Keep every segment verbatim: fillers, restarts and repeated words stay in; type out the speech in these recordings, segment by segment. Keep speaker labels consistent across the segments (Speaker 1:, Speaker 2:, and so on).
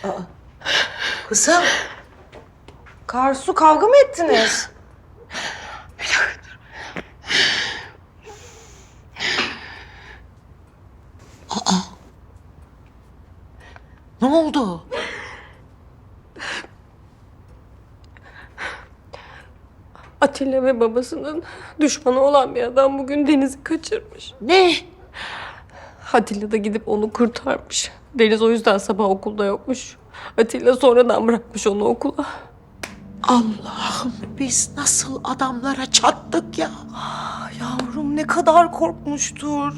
Speaker 1: Kızım.
Speaker 2: Karsu, kavga mı ettiniz?
Speaker 1: Ne oldu?
Speaker 2: Atilla ve babasının düşmanı olan bir adam bugün Deniz'i kaçırmış.
Speaker 1: Ne?
Speaker 2: Atilla da gidip onu kurtarmış. Deniz o yüzden sabah okulda yokmuş. Atilla sonradan bırakmış onu okula.
Speaker 1: Allah'ım biz nasıl adamlara çattık ya.
Speaker 2: Yavrum ne kadar korkmuştur.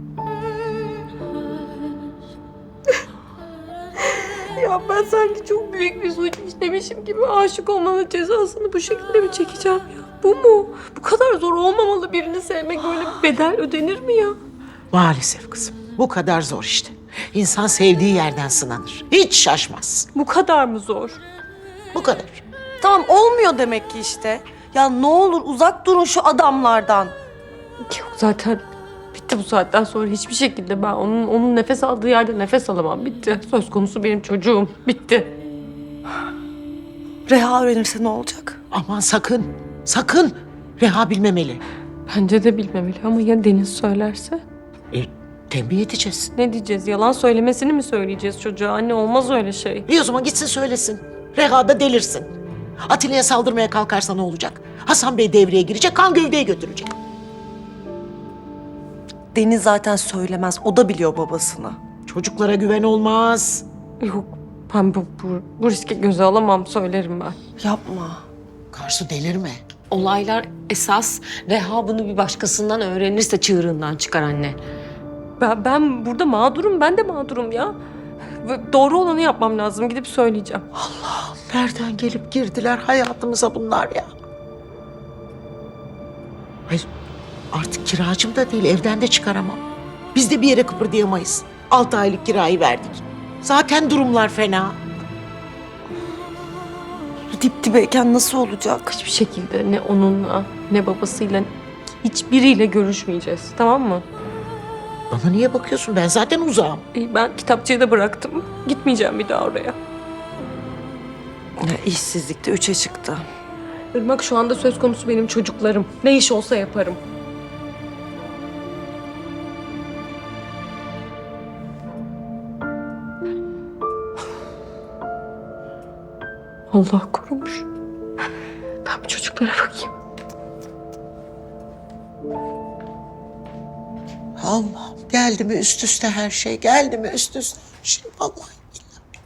Speaker 2: Ya ben sanki çok büyük bir suç işlemişim gibi aşık olmanın cezasını bu şekilde mi çekeceğim ya? Bu mu? Bu kadar zor olmamalı, birini sevmek, böyle bir bedel ödenir mi ya?
Speaker 1: Maalesef kızım. Bu kadar zor işte. İnsan sevdiği yerden sınanır. Hiç şaşmaz.
Speaker 2: Bu kadar mı zor?
Speaker 1: Bu kadar.
Speaker 3: Tamam olmuyor demek ki işte. Ya ne olur uzak durun şu adamlardan.
Speaker 2: Yok zaten bitti bu saatten sonra hiçbir şekilde ben onun onun nefes aldığı yerde nefes alamam. Bitti. Söz konusu benim çocuğum. Bitti.
Speaker 3: Reha öğrenirse ne olacak?
Speaker 1: Aman sakın. Sakın. Reha bilmemeli.
Speaker 2: Bence de bilmemeli ama ya Deniz söylerse?
Speaker 1: E, tembih edeceğiz.
Speaker 2: Ne diyeceğiz? Yalan söylemesini mi söyleyeceğiz çocuğa? Anne olmaz öyle şey.
Speaker 1: İyi o zaman gitsin söylesin. Reha da delirsin. Atilla'ya saldırmaya kalkarsa ne olacak? Hasan Bey devreye girecek, kan gövdeyi götürecek.
Speaker 3: Deniz zaten söylemez. O da biliyor babasını.
Speaker 1: Çocuklara güven olmaz.
Speaker 2: Yok ben bu, bu, bu riski göze alamam, söylerim ben.
Speaker 3: Yapma.
Speaker 1: Karsu delirme.
Speaker 4: Olaylar esas Reha bunu bir başkasından öğrenirse çığırından çıkar anne.
Speaker 2: Ben, ben burada mağdurum, ben de mağdurum ya. Ve doğru olanı yapmam lazım, gidip söyleyeceğim.
Speaker 1: Allah'ım nereden gelip girdiler hayatımıza bunlar ya? Hayır artık kiracım da değil, evden de çıkaramam. Biz de bir yere kıpırdayamayız. Altı aylık kirayı verdik. Zaten durumlar fena.
Speaker 3: Dip dibeyken nasıl olacak?
Speaker 2: Hiçbir şekilde ne onunla ne babasıyla hiçbiriyle görüşmeyeceğiz, tamam mı?
Speaker 1: Bana niye bakıyorsun? Ben zaten uzağım.
Speaker 2: İyi, ben kitapçıyı da bıraktım. Gitmeyeceğim bir daha oraya.
Speaker 3: Ya, işsizlikte üçe çıktı.
Speaker 2: Irmak, şu anda söz konusu benim çocuklarım. Ne iş olsa yaparım. Allah korumuş. Ben bu çocuklara bakayım.
Speaker 1: Allah'ım geldi mi üst üste her şey? Geldi mi üst üste her şey? Vallahi billahi.